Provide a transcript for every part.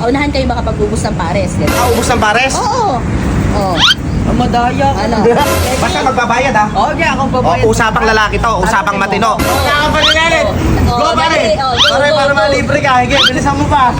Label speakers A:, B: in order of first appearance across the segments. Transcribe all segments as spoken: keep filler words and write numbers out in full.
A: unahan kayo makapag-ubos ng pares. Ganun.
B: Ah, ubos ng pares?
A: Oo. Oo.
C: Ang madaya ka.
A: Ano?
B: Basta magbabayad ha?
C: Okay, ako
B: O,
C: babayad.
B: usapang lalaki to, usapang matino.
C: Wala ka pa rin.
A: Oh,
C: Go, pare.
A: dali. Oh, go,
C: Pare,
A: go,
C: para
A: go.
C: malibre ka. Hige, bilisan mo pa.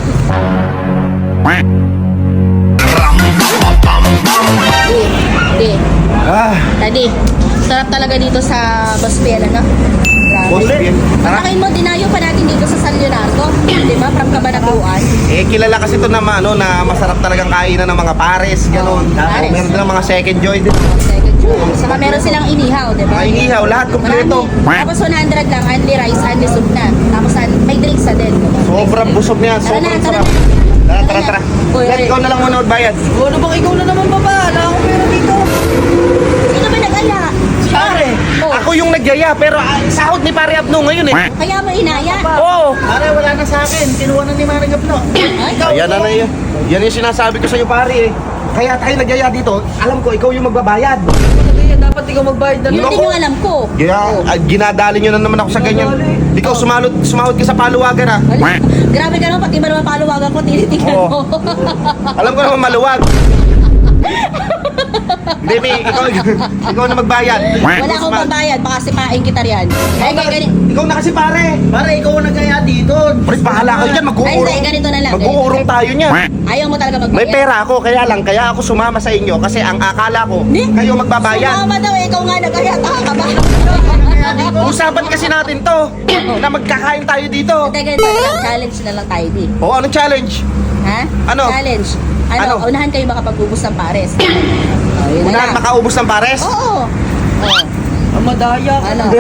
A: Di. Di.
B: Ah,
A: Daddy. Sarap talaga dito sa Baspiel, ano? Grabe.
B: Baspiel. Tara.
A: Patakin mo, dinayo pa natin dito sa San Leonardo. Di ba? From Cabanatuan.
B: eh kilala kasi to na ano, na masarap talagang kainan ng mga pares, ganun.
A: Oh, pares.
B: O, meron din mga second joy din.
A: Second choice. Saka meron silang inihaw, di ba?
B: Mga inihaw, lahat kompleto.
A: Marami. Tapos one hundred lang, only rice, only soup na. Tapos an- may drinks na din.
B: Sobrang busog niya,
A: Tara na,
B: sobrang
A: tara
B: sarap.
A: na.
B: Tara, tara, tara.
A: Uy,
B: Let,
A: uy.
B: ikaw na lang muna magbayad.
C: O, ano bang ikaw na naman baba? Wala akong pera dito.
A: Sino ba nag-aya?
C: Pare.
A: Oh,
B: Ako yung nagyaya, pero ah, sahod ni Pare Abno ngayon eh.
A: kaya mo inaya?
B: Oo.
C: Pare, wala na sa akin. Kinuha na ni Manang Gapno.
A: Ay,
B: Ayan na na yun. Yan yung sinasabi ko sa'yo, pare eh. Kaya tayo nagyaya dito, alam ko, ikaw yung magbabayad.
C: Kaya dapat ikaw magbayad na
A: yun
C: lang.
A: din yung alam ko.
B: Kaya ah, ginadali nyo na naman ako sa ganyan. Ikaw, sumahod, sumahod ka sa paluwagan ha.
A: Wala. Grabe ka naman, pati ba naman paluwagan ko, tinitingnan
B: Oo.
A: mo.
B: Alam ko naman maluwag. Hindi, may, ikaw, ikaw na magbayad.
A: Wala akong babayad, baka sipain kita riyan. Ay, kaya ganito.
B: Ikaw na kasi pare.
C: Pare, ikaw ang nagkaya dito.
B: Pre, bahala ka dyan,
A: Ay,
B: mag-uurong.
A: hindi, ganito na lang.
B: Mag-uurong tayo niya.
A: Ayaw mo talaga magbayad.
B: May pera ako, kaya lang, kaya ako sumama sa inyo kasi ang akala ko,
A: Hindi.
B: kayo magbabayad.
A: Sumama daw, eh, ikaw nga nag-aya, taka ka ba?
B: Usapan kasi natin to, na magkakain tayo dito.
A: Teka, ganito na lang, challenge na lang tayo, di.
B: O, anong challenge?
A: Ha?
B: Ano?
A: Challenge. Ano,
B: Ano?
A: unahan kayo makapag-ubos ng pares. Oh, yun na
B: Unahan
A: lang.
B: makaubos ng pares?
A: Oo. Oh.
C: Ang madaya ka.
A: Ano?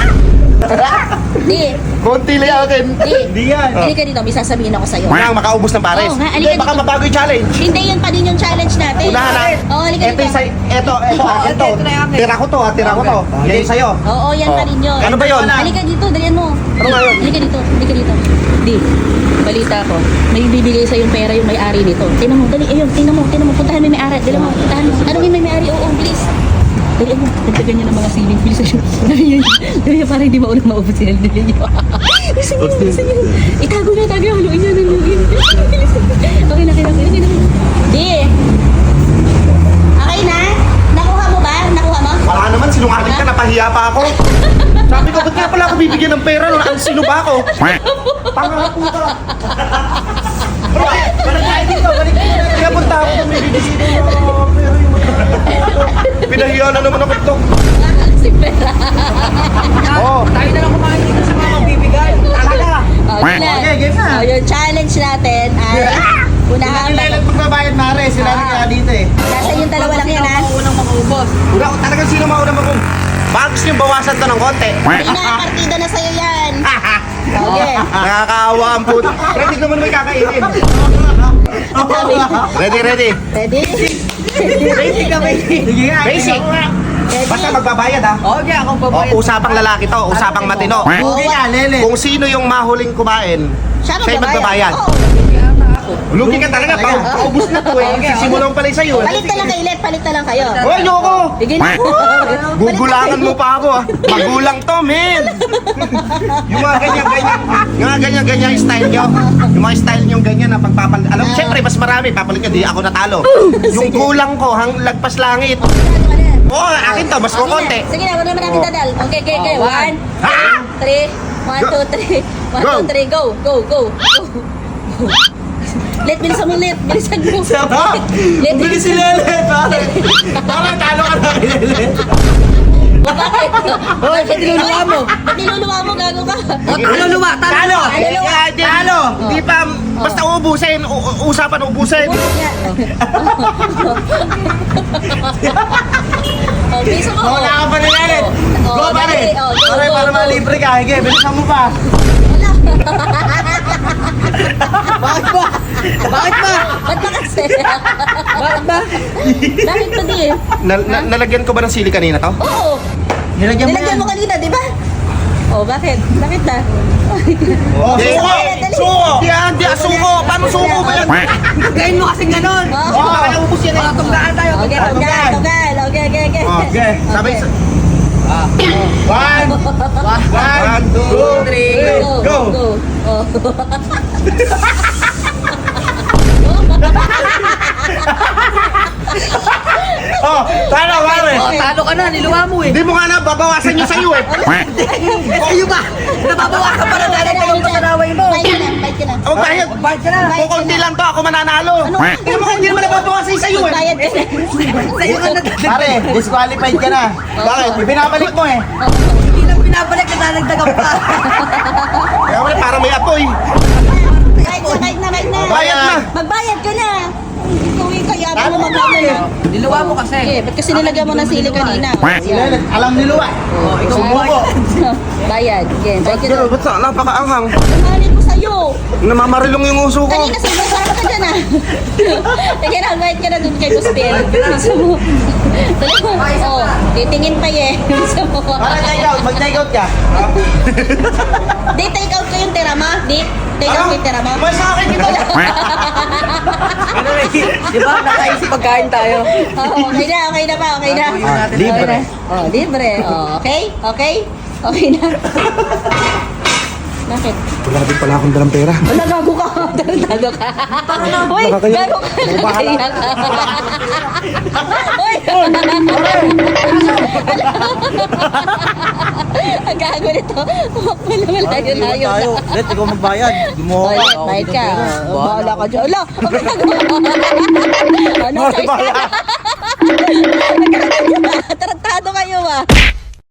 A: Di.
B: Konti lang akin.
A: Di.
C: Hindi yan.
A: Hindi ka dito, may sasabihin ako sa'yo.
B: Unahan makaubos ng pares?
A: Oo nga,
B: Hindi,
A: halika
B: baka
A: dito.
B: mabago yung challenge.
A: Hindi, yun pa din yung challenge natin.
B: Unahan ha?
A: Oo, halika
B: Ito
A: dito.
B: yung say, eto, eto, akin to.
C: ito na yung akin.
B: Tira ko to, ha, tira ko to. Yan yung sa'yo.
A: Oo, yan pa din yun.
B: Ano ba yun?
A: Halika dito, dalian mo.
B: Ano nga yun?
A: Halika dito, halika dito. Di, balita ko, may bibigay sa yung pera yung may-ari nito. Tingnan mo, dali, ayun, tingnan mo, tingnan mo, puntahan mo yung may-ari, dali mo, puntahan mo. Tanungin mo yung may-ari, oo, bilis. Dali mo, nagtagan niya ng mga siling, bilis na siya. Dali yan, dali yan, para hindi maunang maubos yan, dali niyo. Bilisan niyo, bilisan niyo. Itago na, tago, haluin niya, haluin. Bilis. Okay na, okay na, okay na, okay na. Di. Okay na? Nakuha mo ba? Nakuha mo?
B: Wala naman, sinungaling ka, napahiya pa ako. Sabi ko, ba't nga pala ako bibigyan ng pera? Ano, sino ba ako? Tanga na po ka.
C: Balik tayo dito. Balik tayo dito.
B: Kaya punta ako kung may bibigyan ng uh, pera yung pinahiya na naman ako ito.
A: Si pera.
B: Oo.
C: Tayo na lang kumain dito sa mga magbibigay. Talaga.
A: Okay na.
C: Okay, game na.
A: Oh, yung challenge natin ay unahan
C: Sila lang magbabayad, Mare. Sila
A: Ah.
C: nagkaya dito eh.
A: Nasa yung dalawa lang yan, ha?
C: Ako unang makaubos.
B: Una, talagang sino mauna mo kung bags yung bawasan to ng konti.
A: Hindi na, partida na sa'yo yan. Okay.
B: Nakakaawa ang puto. Ready naman may kakainin.
A: Sabi,
B: Ready, ready.
A: ready?
C: Basic ka, basic. Sige nga.
B: Basic.
A: Ready?
B: Basta magbabayad ha.
C: Okay, ako
B: O,
C: babayad.
B: usapang lalaki to, usapang matino.
C: Okay nga, lele.
B: Kung sino yung mahuling kumain,
A: Siya
B: siya yung magbabayad.
A: Oo.
B: Lugi ka talaga, pa- paubos na to eh.
C: Okay,
B: Sisimulan pala sa'yo.
A: Palit na lang kay Let, palit na lang kayo.
B: Hoy, ayoko!
A: Sige na.
B: Gugulangan mo pa ako ah. Magulang to, men! Yung mga ganyan-ganyan, yung mga ganyan-ganyan style nyo. Yung mga style nyo ganyan na pagpapal... Alam mo, syempre, mas marami. Papalit nyo, di ako natalo. Yung kulang ko, hang lagpas langit. Oo, akin to, mas kukonti.
A: Sige na, wala naman natin
B: Oh.
A: dadal. Okay, okay, okay.
C: Oh,
A: One,
B: Ha?
A: two, three. One, two, three. One,
B: Go.
A: two, three. Go, go, go. Go. Let, bilisan mo, Let. Bilisan mo.
C: Sama.
A: Let,
C: Bilis si Lele, pare. Parang talo ka na kay Lele.
A: Bakit?
C: Hoy, ba't niluluwa mo?
A: Ba't niluluwa mo? Gago ka.
C: Niluluwa, talo.
B: Talo!
A: Talo.
B: Talo! Hindi pa, basta ubusin, u- u- usapan ubusin.
A: Oh, bisa mo.
C: Wala ka pa ni Lele.
A: Oh,
C: Go, pare.
A: dali. Oh, go,
C: Pare,
A: go,
C: para
A: go.
C: malibre ka. Hige, bilisan mo pa. Bakit ba? Bakit ba?
A: Ba't ba kasi?
C: Bakit ba?
A: Bakit ba di?
B: Na- na- nalagyan ko ba ng sili kanina to?
A: Oo.
C: Nilagyan mo
A: Nilagyan
C: yan.
A: mo kanina, di ba? Oh, bakit? Bakit na?
C: Oh,
B: Di-
C: suko!
A: dali.
C: Suko!
B: Di yan, di yan, suko! Paano suko ba yan?
C: Gawin mo kasing ganon.
A: Oh.
C: Oh, kaya ubus yan eh. Tugdaan tayo.
A: Okay,
C: tugdaan.
A: tugal, tugal. Okay, okay, okay.
B: Oh,
C: Okay.
B: Sabay,
A: Okay.
C: One,
B: one, two,
C: three,
A: Go,
C: go.
A: go. Oh.
D: ka na, niluwa mo eh.
B: Hindi mo nga na, babawasan yun sa'yo eh.
D: Kayo ba? Nababawasan pa na dahil kayo pa kanaway mo.
A: Bayad ka na, bayad ka na.
B: Huwag bayad.
D: Bayad ka na.
B: Kukunti lang to, ako mananalo. Hindi mo kung hindi naman nababawasan yun sa'yo eh.
A: Bayad ka na.
D: Sa'yo ka na.
C: Pare, disqualified ka na.
B: Bakit?
C: Binabalik mo eh.
D: Hindi na pinabalik na dadagdagan pa.
B: Kaya wala, parang may apoy.
A: Bayad na, bayad na, bayad na.
B: Bayad na.
A: Magbayad ka na. Ikuwi ka, yabang mo maglaman na.
D: Niluwa mo kasi.
A: Okay, ba't kasi nilagyan mo ng sili kanina?
C: Sila, alam ni Luwa.
D: Oh, ikaw
C: Sumuko.
A: Bayad. Okay, bayad ka na.
B: Pero ba't sa napakaanghang?
A: Mahalin ko sa'yo.
B: Namamarulong yung uso ko.
A: Kanina sa'yo, sarap ka dyan ah. Sige na, bayad ka na dun kay Guspel. Gusto mo. Dali mo. Oh, titingin pa eh. Gusto mo.
C: Para take out, mag-take out ka.
A: Di, take out ko yung tira mo. Di, take out ko yung tira mo.
B: May sa akin ito.
D: Ano eh, di ba? Nakaisip pagkain tayo.
A: Oh, okay na, okay na pa, okay na.
D: Gagawin natin.
A: Okay na. Oh, libre. Oh, okay? Okay? Okay na. Bakit?
B: Wala din pala akong dalang pera.
A: Wala, gago ka. Tarantado ka. Uy,
B: Nakakaya-
A: gago ka. Nakakaya ka. Uy! Ang gago nito. Wala, wala yun na yun.
C: Tayo. Let, ikaw magbayad. Gumawa
A: Oh,
C: ka.
A: let, bayad ka. Oh, bahala ka dyan. Ala, ang gago. Ano,
B: Bahala.
A: size ka? Tarantado kayo ah.